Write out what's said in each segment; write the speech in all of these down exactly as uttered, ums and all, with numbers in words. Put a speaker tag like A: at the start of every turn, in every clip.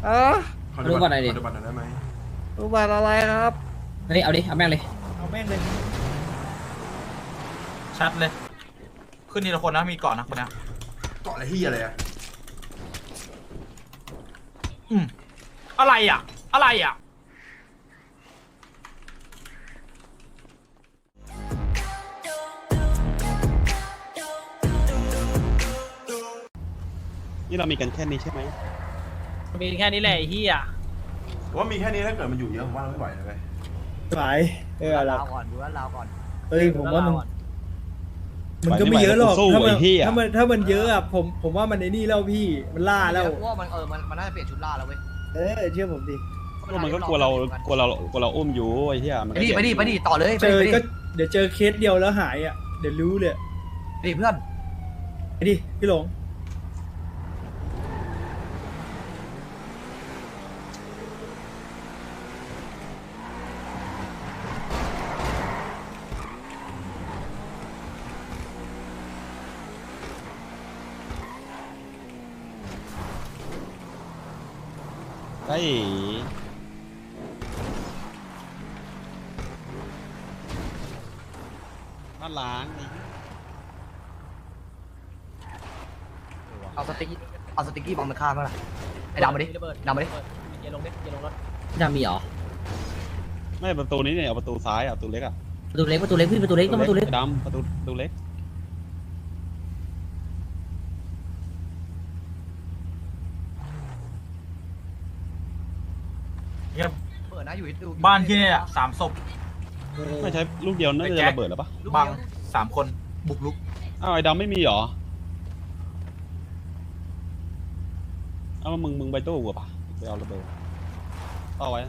A: อ่ะ
B: ขอดูบัตรหน่อยดิ
C: ขอดูบัตรหน่อยได้ไหม
A: รูปบัตรอะไรครับ
B: เฮ้ยเอาดิเอาแม่งเลย
A: เอาแม่งเลย
D: ชัดเลย ขึ้นทีละคนนะมีเกาะนะคนนี้
C: เกาะอะไรที่อะไรอะ
D: อืมอะไรอ่ะ อะไรอ่ะ
E: นี่เรามีกันแค่นี้ใช่ไหม
A: มีแค่นี้แหละไอ้เหี้ย
C: ผมว่ามีแค่นี้ถ้าเกิดมันอยู่เยอะผมว่าเราไม่ไหวเลยเว้ย
A: ไหวเออเรา
F: ก่อนดูว่าเราก่อน
A: เอ้ยผมว่ามันมันก็ไม่เยอะหรอกถ้ามันถ้ามันถ้ามันเยอะอ่ะผมผมว่ามันในนี่แล้วพี่มันล่าแล้ว
F: เพราะว่ามันเออมันมันน่าจะเปลี่ยนชุดล่าแล้วเว้ย
A: เออเชื่อผมดิ
E: ก็มันก็กลัวเรากลัวเรากลัวเราอุ้มอยู่ไอ้เหี้ยมัน
F: ไปดิไปดิไปดิต่อเลยไป
A: เจ
F: ดิ
A: อ
F: ไปดิ
A: ก็เดี๋ยวเจอเคสเดียวแล้วหายอ่ะเดี๋ยวรู้เลย
F: ไปดิเพื่อน
A: ไปดิพี่หลง
E: ไอ้บ้านล้างไอ้
F: เอาสติ๊กเอาสติ๊กกี้บอมมาฆ่าเมื่อไหร่ไอ้ดำมาดิดำมาดิ
B: ดามีเหรอ
E: ไม่ประตูนี้เนี่ยเอาประตูซ้ายอ่ะประตูเล็กอ่ะ
B: ประตูเล็กประตูเล็กพี่ประตูเล็กต้องประตูเล็ก
E: ไอ้ดำประตูประตูเล็ก
F: เปิดนะอยู่ดู
D: บ้านที่เนี่ยสามศพ
E: ไม่ใช้ลูกเดียวน่าจะระเบิดหรอปะ
D: บังสามคนบุกลุก
E: อ้าวไอ้ดำไม่มีเหรอเอามึงมึงไปตู้กูป่ะไปเอาระเบิดเอาไว้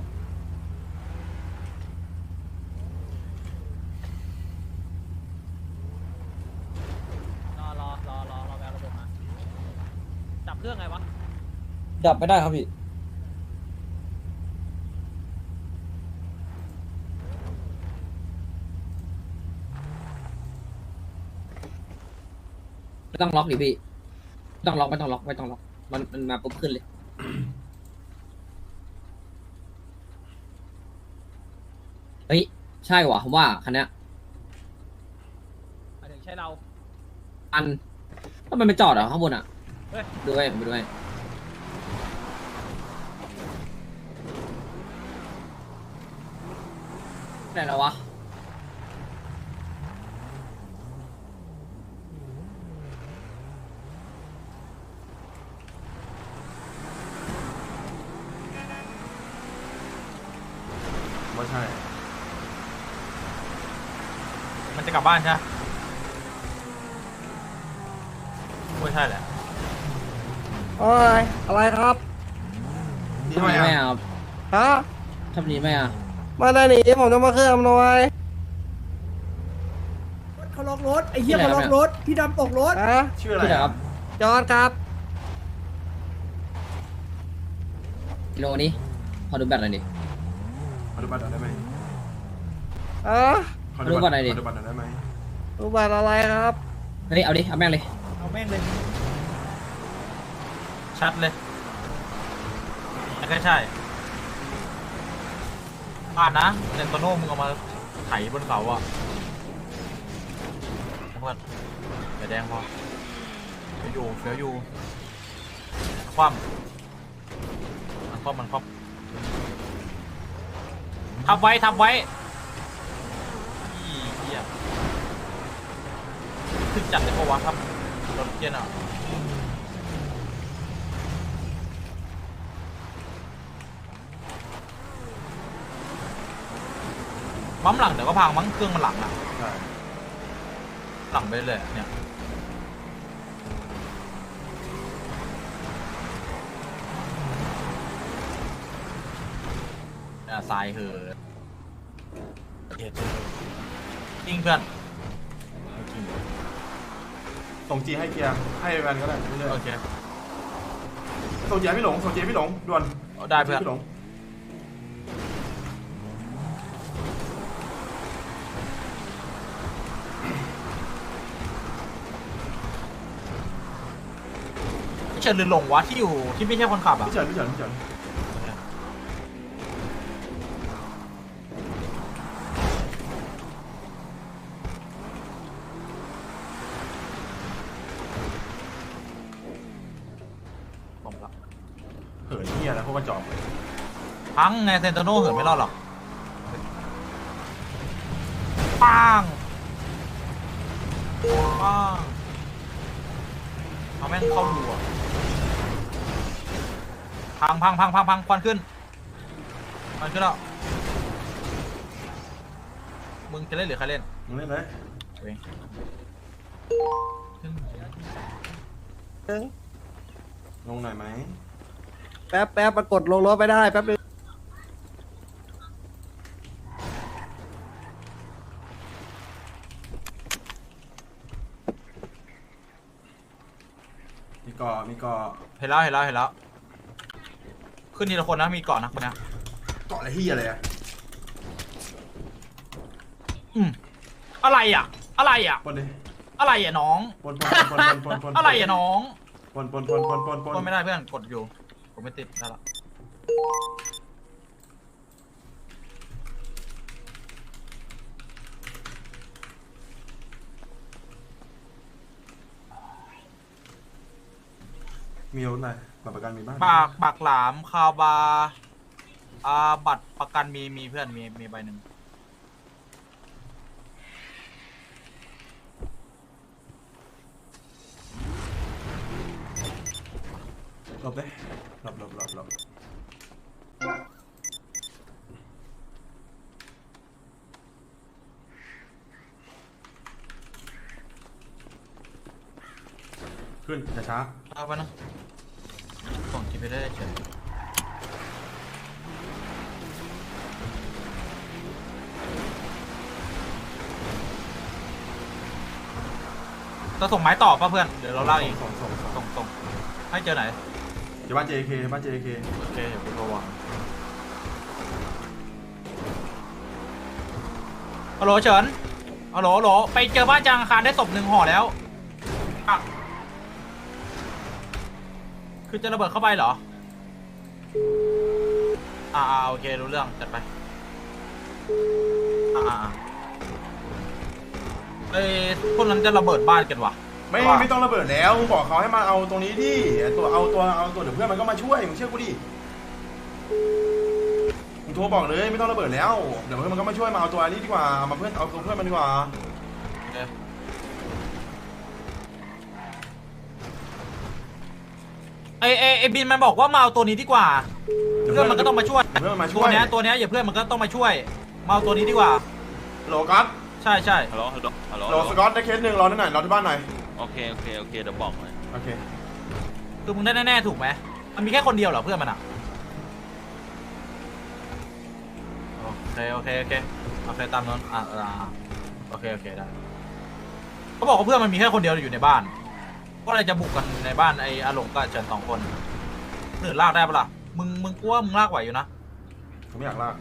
A: รอรอรอรอรอแววระบบมาจับเครื่องไงวะ
B: ดับไม่ได้ครับพี่ไม่ต้องล็อกดิพี่ไม่ต้องล็อกไม่ต้องล็อกไม่ต้องล็อกมันมันมาปุ๊บขึ้นเลยเฮ้ยใช่ว่ะผมว่าคันเนี้ย
A: หมายถึงใช่เรา
B: อันถ้ามันไปจอดเหรอข้างบนอ่ะ
A: เฮ้ย
B: ดูไว้ผมไปดูไว้ไหนแล้ววะ
C: ว่าใช่
D: มันจะกลับบ้านใช่ไหมไม่ใช่แหละ
A: โอ้ยอะไรครับ
C: นี่
B: ทำ
C: ทำ
B: ไม
C: ไม
B: ไม่
C: อะ
B: อ่ะ
A: ฮะ
B: ทำนี้ไม่อ่ะ
A: มาได้หนีผมจะมาเคลื่อนอำนวยเขาล็อกรถไอ้เหี้ยเขาล็อกรถพี่ดำตกรถฮะ
C: ชื่ออะไร
B: ที่ไหน
C: อะ
B: ครับ
A: จอดครับ
B: กิโลนี้ขอดูแบตหน่อยดิ
C: ขอดูบัตรหน่อยได้ไหม
A: อ่ะ
C: ขอดูบัตร
B: ขอดูบัตรหน่อยดิ
C: ขอดูบัตรหน่อยได้ไหม
A: รูปบัตรอะไรครับ
B: เฮ้ยเอาดิเอาแม่งเลย
A: เอาแม่งเลย
D: ชัดเลยแค่ใช่อ่านนะเซนโตโน่มึงเอามาไถบนเขาอ่ะเพื่อนอย่าแดงพอเฟี้ยวอยู่เฟี้ยวอยู่คว่ำมันคว่ำมันคว่ำทับไว้ทับไว้อีเหี้ยขึ้นจัดเลยเพราะว่าครับรถเกียร์อ่ะปั๊มหลังเดี๋ยวก็พังมั้งเครื่องมันหลังอ่ะ
C: ใช่
D: หลังไปเลยเนี่ยเนี่ยทรายเหอะเด็ดจริงเพื่อนจริง
C: ส่งจีให้เกียร์ให้แวนก็ได้ไม่ใช่
D: โอเค
C: ส่งจีให้พี่หลงส่งจีให้พี่หลงด่วน
D: ได้เพื่อน
C: พี่หลง
D: เฉินหรือหลงวะที่อยู่ที่ไม่ใช่คนขับอ่ะ
C: พี่เฉินพี่เฉินพี่เฉินเหินเฮียแล้วพวกกระจอก
D: พังไงเซนโตโน่เหินไม่รอดหรอกปังปังเอาแม่งเข้าดูอ่ะพังพังพังพังพังควันขึ้นควันขึ้นแล้วมึงจะเล่นหรือใครเล่น
C: มึงเล่นเลย
D: เว้ยขึ้น
C: ลงหน่อยไหม
A: แป๊บแป๊บปรากฏลงรถไม่ได้แป๊บนึง
C: มีเกาะมีเกาะ
D: เห็นแล้วเห็นแล้วเห็นแล้วขึ้นทีละคนนะมีเกาะนะคนนี้
C: เกาะอะไรเฮียอะไรอะ
D: อืมอะไรอ่ะ อะไรอ่ะ
C: ปนดิ
D: อะไรอ่ะน้อง
C: ปนปนปนปนปนปน
D: อะไรอ่ะน้อง
C: ปนปนปนปนปนปน
D: กดไม่ได้เพื่อนกดอยู่ผมไม่ติดได้ละ
C: มีอาวุธอะไรบัตรประกันมีบ้าง
D: ปากปากหลามคาบาอ่าบัตรประกันมีมีเพื่อนมีมีใบหนึ่ง
C: หลบเลยหลบหลบหลบหลบขึ้นช้า
D: เอาไปนะส่งจีไปได้เฉยจะส่งไม้ต่อป่ะเพื่อนเดี๋ยวเรา
C: ๆ
D: เล่าเอง
C: ส่งส่งส่ง
D: ส่งส่งให้เจอไหน
C: เดี๋ยวบ้าน เจ เค บ้าน เจ เค
D: โอเคเดี๋ยวกูโทรวางฮัลโหลเฉินฮัลโหลฮัลโหลไปเจอบ้านจางอาคารได้ศพหนึ่งห่อแล้วอ่ะคือจะระเบิดเข้าไปเหรออ่าอ่าโอเครู้เรื่องจัดไปอ่าอ่าอ่าเอ้ยพวกนั้นจะระเบิดบ้านกันวะ
C: ไม่ไม่ต้องระเบิดแล้วมึงบอกเขาให้มาเอาตรงนี้ดิตัวเอาตัวเอาตัวเดี๋ยวเพื่อนมันก็มาช่วยมึงเชื่อกูดิมึงโทรบอกเลยไม่ต้องระเบิดแล้วเดี๋ยวเพื่อนมันก็มาช่วยมาเอาตัวนี้ดีกว่าเอามาเพื่อนเอาตัวเพื่อนมันดีกว่า
D: โอเคไอไอไอบินมันบอกว่ามาเอาตัวนี้ดีกว่าเพื่อนมันก็ต้องมาช่วย
C: เพื่อนมันมาช่
D: ตัว วย เนี้ยตัวเนี้ยอย่าเพื่อนมันก็ต้องมาช่วยมาเอาตัวนี้ดีกว่า
C: โหลกัส
D: ใช่ใช่
E: ฮัลโหลฮัลโหลฮัลโหล
C: โหลสกอตได้เคสหนึ่งรอที่ไหนรอที่บ้านหน่อย
E: โอเคโอเคโอเคเดี๋ยวบอกเลย
C: โอเค
D: คือมึงได้แน่ๆถูกไหมมันมีแค่คนเดียวเหรอเพื่อนมันอ่ะโอเคโอเคโอเคโอเคตามนั้นอ่าอ่าโอเคโอเคได้เขาบอกว่าเพื่อนมันมีแค่คนเดียวอยู่ในบ้านก็เลยจะบุกกันในบ้านไอ้อาหลงกับเฉินสองคนหรือลากได้ปะล่ะมึงมึงกลัวมึงลากไหวอยู่นะ
C: ผมไม่อยากลาก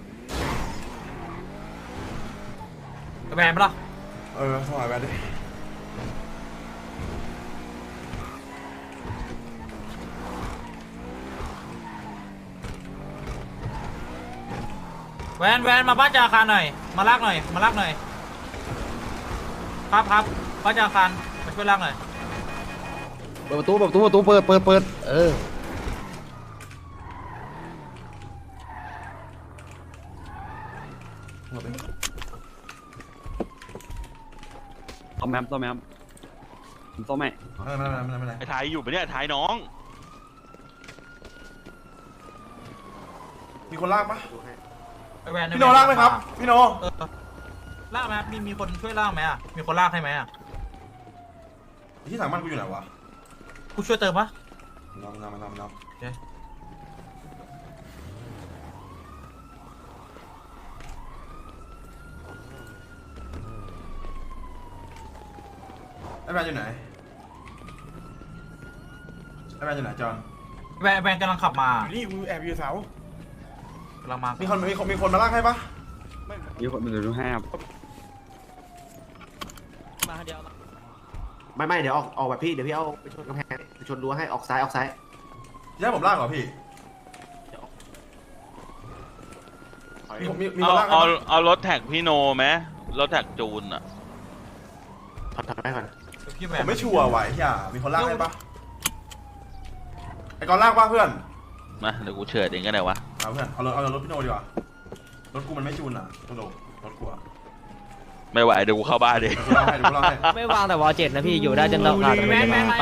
D: กระแบนปะล่ะ
C: เออสมัยแบบดิ
D: แวนแวนมาบ้านจาคารหน่อยมาลากหน่อยมาลากหน่อยครับครับบ้านจาคารมาช่วยลากหน่อย
F: เปิดประตูเปิดประตูประตูเปิดเปิดเปิดเออ
C: หลบไป
E: ต้อมแมมต้อมแมมผมต้อมแม่
C: ไม่ไม่ไม่ไม่ไม่
E: ไอ้ไทยอยู่ปะเนี่ยไอ้ไทยน้อง
C: มีคนลากปะ
D: ไอ้แวน
C: พี่โนลากไหมครับพี่โน
D: เออลากไหมครับมีมีคนช่วยลากไหมอ่ะมีคนลากให้ไหมอ่ะ
C: ที่ถังมันกูอยู่ไหนวะ
D: กูช่วยเติมปะ
C: น้องน้องน้องน้อง
D: โอเค
C: ไอ้แมนอยู่ไหนไอ้แมนอยู่ไหนจอน
D: แวนแวนกำลังขับมา
C: นี่กูแอบอยู่เสาก
D: ำลังมา
C: มีคนมีคนมีคนมาลากให้ปะ
E: มีคนมาดูให้ครับ
F: ไม่ไม่เดี๋ยวออกออกแบบพี่เดี๋ยวพี่เอาไปชนกำแพงไปชนรั้วให้ออกซ้ายออกซ้าย
C: จะให้ผมลากเหรอพี่มีมีมี
G: เอา
C: คนลากให้
G: เอา
C: ปะ
G: เอารถแท็กพี่โนไหมรถแท็กจูนอ่ะ
F: ถอดถอดไปก่อน
D: พี่แว
C: ผ
D: น
C: มไม่ชัวร์ไหวเฮียมีคนลากให้ปะไอ้กอนลากปะเพื่อน
G: มาเดี๋ยวกูเชิดเองก็ได้วะ
C: เอาเพื่อนเอารถเอารถพี่โนดีกว่ารถกูมันไม่จูนอ่ะตัวโดรถกูอ่ะ
G: ไม่ไหวเดี๋ยวกูเข้าบ้านดิ
C: เดี๋ยวกูเล่าให้เดี๋ยวกูเล่าให้
F: ไม่วางแต่วอลเจ็ดนะพี่อยู่ได้จนตลอด
B: แม่แม่มา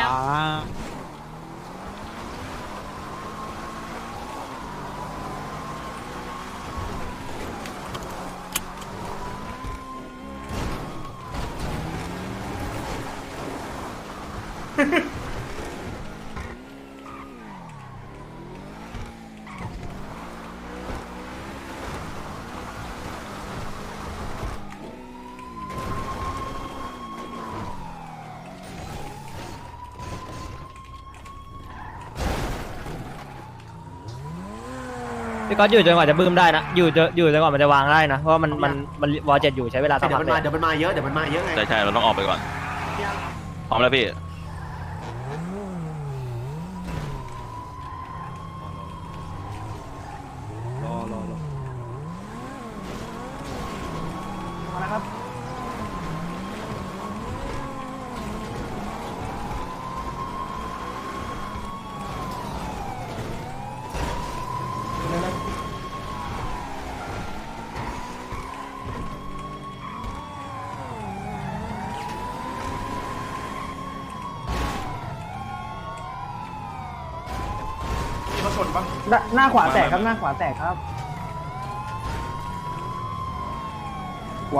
F: พี่ก๊อตอยู่จนกว่าจะบึ้มได้นะอยู่จนอยู่จนกว่ามันจะวางได้นะเพราะว่ามันมันมันวอลเจ็ดอยู่ใช้เวลาสัก
H: เดี๋ย
F: พั
H: ว
F: ก
H: มัน
F: เล
H: มาย เดี๋ยวมันมาเยอะเดี๋ยวมันมาเยอะไง
G: ใช่ใช่เราต้องออกไปก่อนพร้อมแล้วพี่
E: รอรอรอ
C: มีรถชนปะ
A: หน้าขวาแตกครับหน้าขวาแตกครับไหว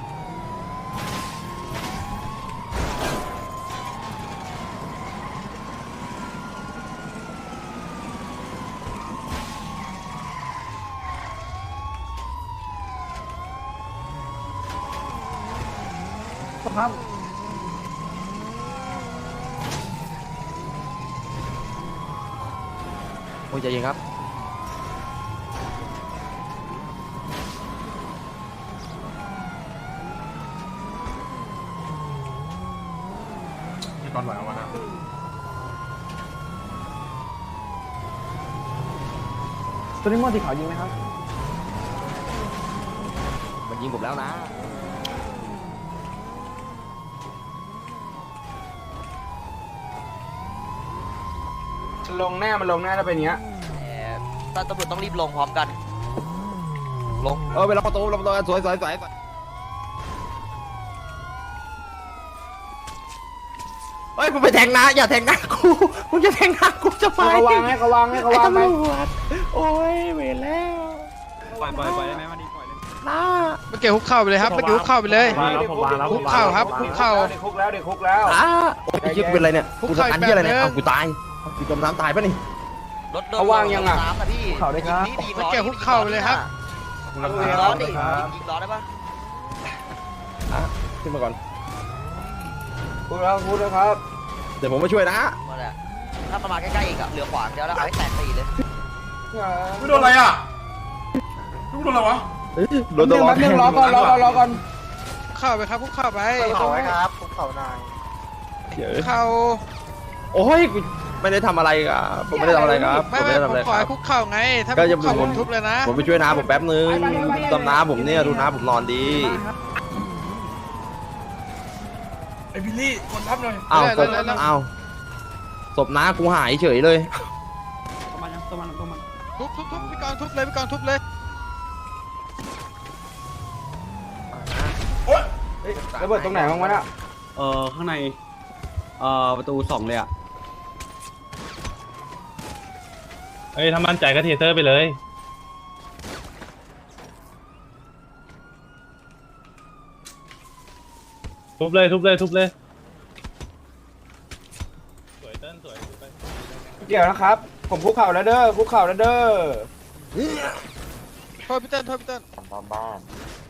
A: ครับ
F: โอ้ยใจเย็นครับ
C: พี่ตอนไหวเอาวะนะ
A: ตัวนี้มอสีขาวยิงไหมครับ
F: มันยิงผมแล้วนะ
B: ลงแน่มันลงแน่ถ้าเป็นอย่างเงี้ย
F: ตำรวจต้องรีบลงพร้อมกัน ลง เออไปล็อกประตูล็อกประตูสวยสวยสวยเฮ้ยมึงไปแทงนะอย่าแทงนะกูมึงจะแทงนะกูจะไป
B: เขาวางให้เขาวางให้เขาวางไป
F: โอ้ยเวรแล้ว
E: ปล่อยปล่อยปล่อยได้ไหมมาดีปล่อยเลย
F: นะ
I: เมื่อกี้คุกเข่าไปเลยครับเมื่อกี้คุกเข่าไปเลย คุกเข่าครับคุกเข่า
B: เด็กคุกแล้วเด็กคุกแล้ว
F: อ่ะโอ้ยคิดเป็นอะไรเนี่ย
I: คุก
F: กู
I: เข่า
F: จะอัน
I: อีก
F: ที่อะไร
I: แบบ
F: เนี่ย
I: นึง
F: เอากูตายกูจมน้ำตายปะนี่
B: เขาวางยังอ่ะ
A: เขาได้ครับ
I: เมื่อกี้คุกเข่าไปเลยครับ
C: กูรับ
B: ยิง
C: สาย
B: ล้อ
C: แล้ว
B: ดิ
F: ยิงล้อได้ปะอ่ะขึ้นมาก่อน
B: คุกแล้วคุกแล้วครับ
F: เดี๋ยวผมมาช่วยนะ
J: ถ้ามันมาใกล้ๆอีกอะเหลือขวางเดียวแล้วเอาให้แตกตีเลย
C: กูโดนอะไรอ่ะกูโดนอะไรวะ
F: รถตัว
B: แป๊บนึงรอก่อนรอก่อนรอก่อน
I: คุกเข่าไปครับคุกเข่าไป
J: เขาไว้ครับคุกเข่านาย
I: คุกเข่า
F: โอ้ยกูไม่ได้ทำอะไรครับผมไม่ได้ทำอะไรครับผ
I: ไม่
F: มไม่
I: ไม่
F: ได้
I: ผ
F: ทำ
I: ม
F: อะไร
I: ข
F: ค
I: อ
F: รั
I: ให้
F: บ
I: คุกเข่าไง ถ้า
F: ก็
I: ไม่
F: จะ
I: คุกเข่า
F: ผ
I: ผม มทุบเลยนะ
F: ผมไปช่วยน้าผมแป๊บนึงตำน้าผมเนี่ยดูน้าผมนอนดี
C: ไอบิลลี่คนทับหน่อย
F: อ้าวศพอ้าวศพน้ากูหายเฉยเลย
E: ตัวมันตัวมันตัวมัน
I: ทุบทุบทุบพี่กรณ์ทุบเลยพี่กรณ์ทุบเลย
B: ระเบิดตรงไหนบ้างวะน่ะ
E: เอ่อข้างในเอ่อประตูสองเลยอ่ะ
K: เอ้ยถ้ามั่นใจก็เทเซอร์ไปเลยทุบเลยทุบเลยทุบเลยสวยเต้นสวยสวยไป
B: เดี๋ยวนะครับ ผมคุกเข่าแล้วเด้อคุกเข่าแล้วเด้อ
I: โทษพี่เติ้ลโทษพี่เติ้ล
J: บ้าน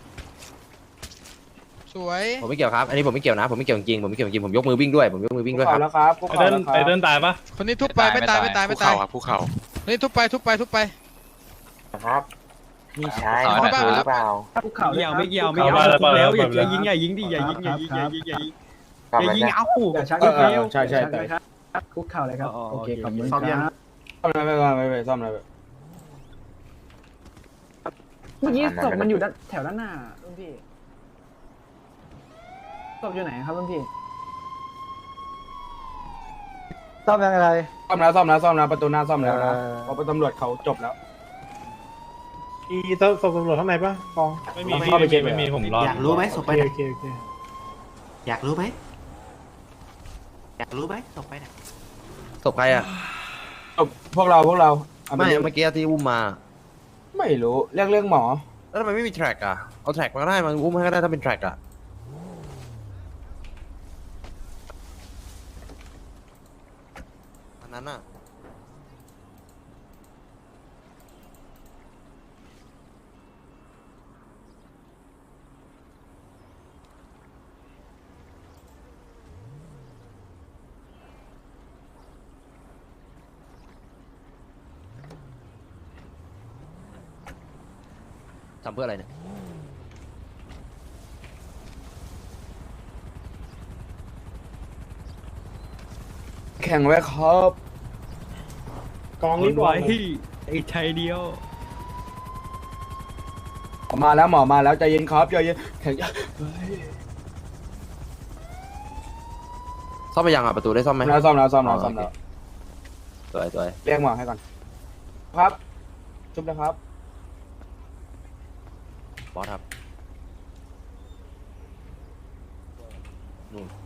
I: สวย
F: ผมไม่เกี่ยวครับ อันนี้ผมไม่เกี่ยวนะ ผมไม่เกี่ยวจริงผมไม่เกี่ยวจริงผมยกมือวิ่งด้วย ผมยกมือวิ่
B: คุ
F: ง
B: ก
F: ด้วยค
B: เข่า
F: รับ
B: แล้วครับคุก
K: ไอ
B: เข่า
K: เติ้ล
B: แล้วค
K: ไอ
B: รับ
K: เติ้ลตายปะ
I: คนนี้ทุบไปไม่ตายไม่ตายไม่ตายคนนี้ทุบไปทุบไปทุบไป
J: ครับนี่ใช่
I: หรือเปล่า
A: ภูเขา
E: ไม่เกี่ยวไม่เกี่ยวไม่เกี่ยวทุบแล้วอย่าอย่ายิงอย่ายิงดิอย่ายิงอย่ายิงอย่ายิงอย่ายิงอย่ายิงเอา
A: อย่าชัก
B: เอ
A: ลู
B: อก เอ
A: เลี้ยว
B: อใช่ใช่แต่
A: คุกเข่าเลยครับ โอเคขอบคุณ
C: ซ้อมยัง
A: ครับ
B: ซ่อมอะไรไปก่อนไปไปซ่อมอะไรไป
A: เมื่อกี้ศพมันอยู่ด้านแถวด้านหน้ารุ่นพี่ศพอยู่ไหนครับรุ่นพี่
F: ซ่อมยังไง
H: ซ่อมแล้วซ่อมแล้วซ่อมแล้วประตูหน้าซ่อมแล้วนะเพราะตำรวจเขาจบแล้ว
K: อีศพตำรวจข้างในปะกองไม่มีพี่ไม่มีไม่มีผมรออยากรู้ไหมศพไปไหนโอเคโอเคอยากรู้ไหมอยากรู้ไหมศพไปไหน
F: ศพใครอ่ะ
H: จบพวกเราพวกเราเอาป
F: ไม่
H: เลี้ยง
F: เมื่อกี้ที่อุ้มมา
H: ไม่รู้เรื่องเรื่องหมอ
F: แล้วทำไมไม่มีแทร็กอ่ะเอาแทร็กมาก็ได้มันอุ้มให้ก็ได้ถ้าเป็นแทร็กอ่ะอันนั้นอ่ะทำเพื่ออะไรเนี่ย
H: แข่งไว้ครับ
K: กองนี้ก่อน
A: ไอ้ชัยเดียว
H: หมอมาแล้วหมอมาแล้วใจเย็นครับใจเย็นแข่ง
F: ซ่อมไปยังอ่ะประตูได้ซ่อมไหม
H: แล้วซ่อมแล้วซ่อมแล้วซ่อมแล้ว
F: สวยสวย
H: เรียกหมอให้ก่อนครับจุ๊บนะครับ
F: บอสครับนู่น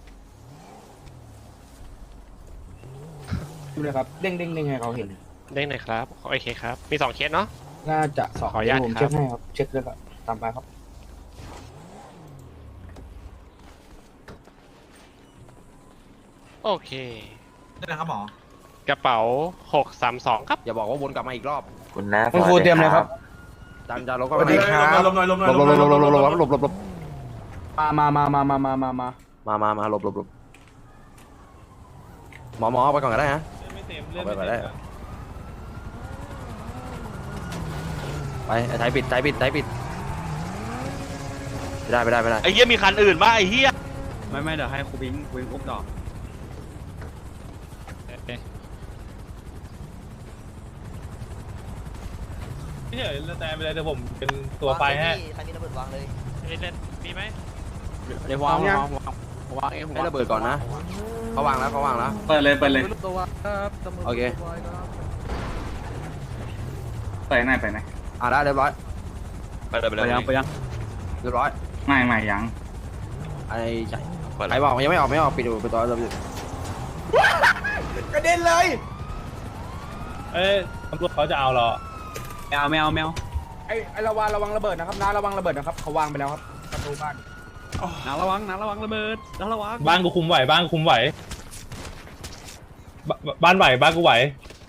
H: จุ๊บเลยครับเด้งเด้งเด้งให้เขาเห็น
K: เด้งหน่อยครับโอเคครับมีสองเคสเนาะ
H: น่าจะสอง
K: ขออนุญาต
H: ผม
K: ครับ
H: เช็คให้ครับเช็คเลยครับตามไปครับ
K: โอเค
D: นี่นะครับหมอก
K: ระเป๋าหกสามสองครับ
F: อย่าบอกว่าวนกลับมาอีกรอบ
J: คุณน้า
H: คุณครูเตรียมเลยครับ
F: จานจานลบก็
C: สวัสดีครับลมหน่อยลมหน่อย
F: ล
C: ล
F: บ
C: ม
F: ล
C: หน่อย
F: บ
C: ล
F: ล
C: ม
F: บ
C: ห
F: ล
C: น่อย
F: บลบลบลบลบลบ
H: มามามามามามามามา
F: มามามาลบลบลบหมอหมอเอาไปก่อนก็ได้นะ
K: ไม่เต็ม
F: เอาไปก่อนได้ไปไอ้ไทยปิดไทยปิดไทยปิดไม่ได้ไม่ได้ไม่ได้
G: ไอ้เหี้ยมีคันอื่นป่ะไอ้เหี้ย
A: ไม่ไม่เดี๋ยวให้ครูพิงครูพิงอุ้มต่อ
K: ไม่เฉยแต่ไปเลยแต่ผมเป็นตัวไปฮะ
J: ใครมีระเบิดวางเลย
K: มีไหม
A: เดี๋ยววางวางวางวางเอง
F: ให้ระเบิดก่อนนะเขาวางแล้วเขาวางแล้ว
K: เปิดเลยเปิดเลย
F: โอเค
K: ไปไหนไปไหน
F: อ่ะได้เรียบร้อย
G: ไปเลยไป
A: ไป
G: เลย
A: ยังไปยัง
F: เรียบร้อย
K: ไม่ไม่ยัง
F: ไอ้ใหญ่
G: เปิด
F: ใครบอกยังไม่ออกไม่ออกปิดดูปิดตัวเราปิด
H: กระเด็นเลย
K: เอ้ยตำรวจเขาจะเอาเหรอ
A: แมวแมวแมว
H: ไอ้ไอ้ระวังระวังระเบิดนะครับน้าระวังระเบิดนะครับเขาวางไปแล้วครับประตูบ้าน
A: น้าระวังน้าระวังระเบิดน้าระวัง
K: บ้านกูคุมไหวบ้านกูคุมไหวบบ้านไหวบ้านกูไหว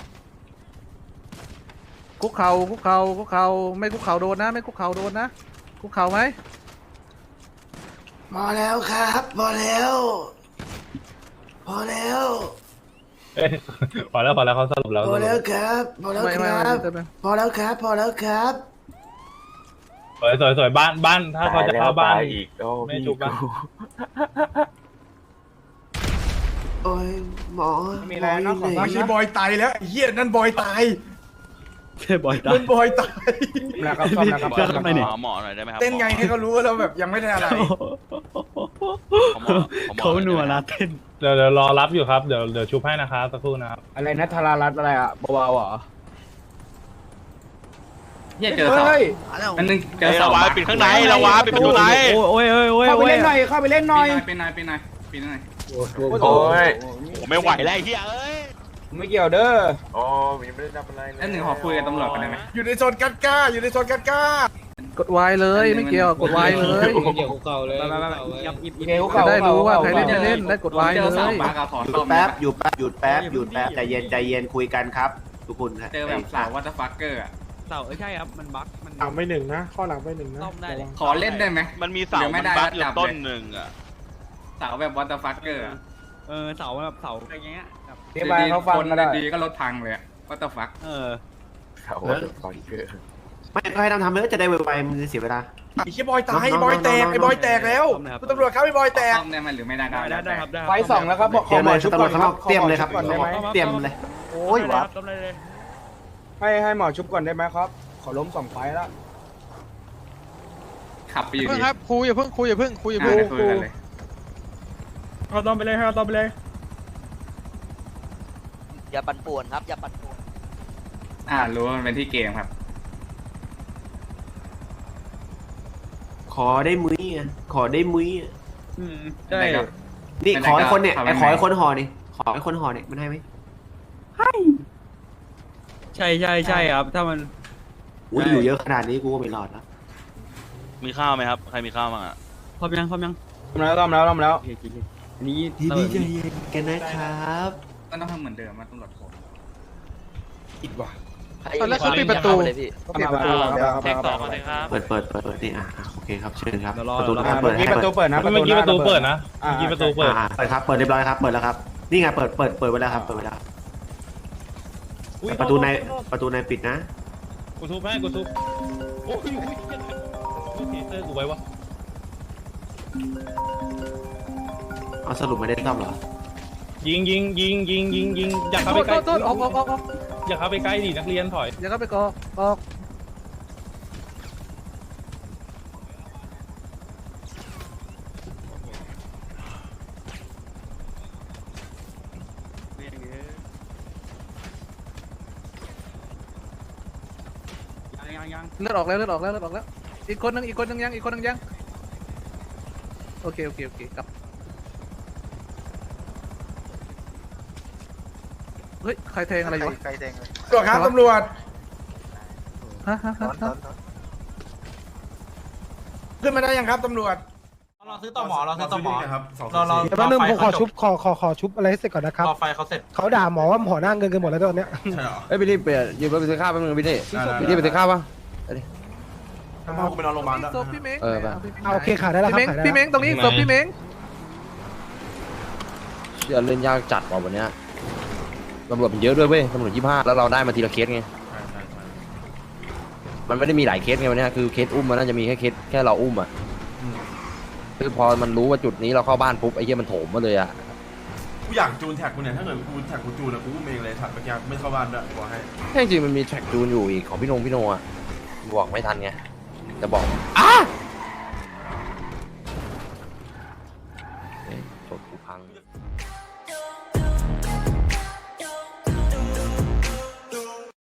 I: คุกเข่าคุกเข่าคุกเข่าไม่คุกเข่าโดนนะ ไม่คุกเข่าโดนนะคุกเข่าไหม
H: พอแล้วครับพอแล้วพอแล้ว
K: เอ้ยพอแล้วพอแล้วเขาสรุปแล้ว
H: พอแล้วครับพอแล้ว
I: ไม่
H: ค
I: ไม่
H: รั
I: ไม่
H: บ
I: ไม่ไม่
H: พอแล้วครับพอแล้วครับ
K: สวยสวยสวยบ้านบ้านถ้าเขาจะเข้าบ้านไม่จุกบ้าน
H: โอ้ยหมอ
C: มีอะไรนะขอไม่ใช่บอยตายแล้วเฮียนั่นบอยตาย
A: ใช่บอยตา
C: นั่นบอยตาย
H: แล้วครับซ่อมแล้วครับ
G: หม
H: ซ่อมแล้ว
A: ทำไมเนี่ย
G: อหมอหน่อยได้ไหมครับ
C: เต้นไงให้เขารู้ว่าเราแบบยังไม่ได้อะไร
G: หมอหมอ
A: เขา
G: หน่อย
A: หนัว
G: ได้ไหม
A: นะเต้น
K: เดี๋ยวเดี๋ยวรอรับอยู่ครับเดี๋ยวเดี๋ยวชุบให้นะครับสักครู่นะครับ
H: อะไรนะธารารัตน์อะไรอ่ะเบาๆเหรอ
K: เนี่ยเจอเสา
H: เฮ้ย
K: อันนึงเจ
G: เฮ้
K: อย เสา
G: ระวาปิดข้างในระวาปิดประตูใน
A: โอ้ยโอ้ยโอ้ย
H: เข้าไป
A: โอ้ย
H: เล่นหน่อยเข้าไปเล่นหน่อย
K: เป็นนายเป็นนายเป็นนาย
C: โอ้ย
G: โอ้ไม่ไหวแล้วไอ้เหี้ยเอ้ย
H: ไม่เกี่ยวเด้อ
C: อ๋อยังไม่ได้รับอะไรเลย
K: อันหนึ่งขอคุยกับตำรวจกันได้ไหม
C: อยู่ในโซนกัดก้าอยู่ในโซนกัดก้าก
I: ดวายเลยไม่เกี่ยวกดวายเลย
B: เกี่ยวกับเก่าเลย
A: ไปไปไปยับยิบยิบ
H: เกล
I: จะ
H: เขา
I: ได้รู้ว่าใครเล่นไม่เล่นได้กดวายเลย
K: หยุด
L: แป๊บหยุดแป๊บหยุดแป๊บหยุดแป๊บใจเย็นใจเย็นคุยกันครับ ทุกคนครับ
K: เจอแบบสาววัตฟักเกอร์อะ
A: เสาเอ้ยใช่ครับมันบั๊กมัน
K: หลังไปหนึ่งนะข้อหลังไปหนึ่งนะ
A: ซ่อมได้เลย
K: ขอเล่นได้ไหม
G: มันมีเสา
K: เดี๋ยวไม่
G: มัน
K: ได้
G: บั๊กอยู่
K: จับเลย
G: ต้นหนึ่งอ่ะ
K: สาวแบบวัตฟักเกอร์
A: เออเสาแบบเสาอะไรเงี้ยแบบ
H: เดี๋ยวไปเขาฟังก็ได้
K: ดีก็ลดทางเลยวัตฟัก
A: เออ
L: ไม่ก็ให้ทำทำเลยจะได้ไวๆมันจะเสียเวลา
C: ไอ้เชี่ยบอยตายไอ้บอยแตกไอ้บอยแตกแล้วคุณตำรวจครับไอ้บอยแตก
K: ซ่อมได้ไหมหรือไม่ได้
A: ได้ได้ได้ครับได้
H: ไฟสองแล้วครับบอกข
L: เตรี
H: อย
L: ม
H: หม
L: เล
H: อย ชุบ
L: ตำร
H: ก่
L: ว
H: อ
L: จ
H: น
L: ข้าง
H: คน รั
L: อบ กเตรียมเลยครับ
H: ก่อนได้ไหม
L: เตรียมเลยโอ้ยวับ
A: ซ่อมได้เลย
H: ให้ให้หมอชุบก่อนได้ไหมครับ ขอล้มสองไฟแล้ว
K: ขับไปอยู่
I: เพิ่ง
K: ดี
I: ครับครูอย่าเพิ่งคุยอย่าเพิ่งคุยอย่า
K: อ่า
I: เพิ่ง
K: ได้คุยกันเลย
A: เอาตอมไปเลยเอาตอมไปเลย
J: อย่าปั่นป่วนครับอย่าปั่นป่วน
H: อ่ารู้ว่ามันเป็นที่เกมครับ
K: ขอได้มุ้ยอ่ะขอได้มุ้ยอ่ะ
H: ใช่ครับ
K: นี่ขอไอ้คนเนี่ย
H: ไม่ได้
K: ไอ้ขอไอ้
H: ก็
K: คนห่อนี่ขอไอ้คนห่อนี่มันให้ไหม
E: ใช่ใช่ใช่ครับ ถ้ามัน
K: อุ้ยอยู่เยอะขนาดนี้กูก็ไม่รอดแล้ว
G: มีข้าวไหมครับ ใครมีข้าวบ้างอ่ะ
E: พร้อมยังพร้อมยัง
H: ต้มแล้วต้มแล้วต้มแล้ว
E: โอเคกินเลยอันนี้
K: ดีดีใจเย็นกันนะครับ
H: ก็ต้องทำเหมือนเดิมมาตำรวจผม
C: อิดว่ะ
I: เอาแล้วเขาปิดประตู
J: เลยพี่
I: เขาปิดประตูแล้วครับ
G: แท็กต่อมาเลยครับ
K: เปิดเปิดเปิดเปิดนี่อ่ะอ่ะโอเคครับเชิญครับ
E: เดี๋ยวรอ
K: ประตู
E: เดี๋ยวรอ
K: นะครับเปิดให้
H: เมื่อกี้ประตู
K: เปิด
H: เปิดนะ
E: เมื่อกี้ประตูเปิดนะ
H: อ่า
E: เมื่อกี้ประตูเปิด
K: อ่าเปิดครับเปิดเรียบร้อยครับเปิดแล้วครับนี่ไงเปิดเปิดเปิดไว้แล้วครับเปิดไว้แล้วประตูในประตูในปิดนะ
E: กูทุบให้กูทุบโอ้ยโอ้ยกูเทเซอร์กูไว้วะ
K: เอาสรุปไม่ได้ซ่อมเหรอ
E: ยิงยิงยิงยิงยิงยิงอย่าเข้า
I: โท
E: ไป
I: ษ
E: ใกล้
I: โทษโทษออกออกออกออก
E: อย่าเข้าไปใกล้ดินักเรียนถอย
I: อย่าเข้าไปกอออก
E: ยังยังยัง
I: เลือดออกแล้วเลือดออกแล้วเลือดออกแล้วอีกคนนึงอีกคนนึงยังอีกคนนึงยังโอเคโอเคโอเคกลับเฮ้ยใครแทงอะไรอยู่วะ
C: ตำรวจครับตำรวจ
I: ฮะฮะฮะฮะ
C: ขึ้นมาได้ยังครับตำรวจ
D: เราซื้อต่อหมอเราซื้อต่อหมอ
C: ครับสอง
D: เราเรา
A: เดี๋ยวแป๊บนึงผมขอชุบขอขอขอชุบอะไรให้เสร็จก่อนนะครับ
D: รอไฟเขาเสร็จ
A: เขาด่าหมอว่าหมอหน้าเงินกันหมดแล้วตอนเนี้ย
C: ใช่เหรอ
E: เอ้ยพี่นี่เปลี่ยนยืมรถไปซื้อข้าวแป๊บนึงพี่นี่
C: พี่นี่ไปซื้อข้าวปะ
I: ศ
C: พากูไปนอนโรงพยาบาลด้วย
I: พพี่เม้ง
E: เออไป
A: เอาโอเคขายได้แล้ว
I: พี่
A: ครับ
I: เม้ง
A: ขายได้
I: พี่เม้งตรงนี้ศพพี่เม้ง
E: เดี๋ยวเล่นยากจัดว่ะวันเนี้ยตำรวจมันเยอะด้วยเว้ยตำรวจยี่ห้าแล้วเราได้มาทีละเคสไง
C: ใช่ใช่ใช่
E: มันไม่ได้มีหลายเคสไงวันเนี้ยคือเคสอุ้มมันน่าจะมีแค่เคสแค่เราอุ้มอ่ะ
C: อืม
E: คือพอมันรู้ว่าจุดนี้เราเข้าบ้านปุ๊บไอ้เหี้ยมันโถมมาเลยอ่ะ
C: กูอยากจูนแท็กกูเนี่ยถ้าเกิดกูแท็กกูจูนนะกูอุ้มเองเลยแท็กเมื่อกี้ไม่เข้าบ้านด้วยบอกให้
E: แค่จริงๆมันมีแทร็กจูนอยู่อีกของพี่นงพี่โนอ่ะบอกไม่ทันไงจะบอกอ้าเอ๊ะจดกูพัง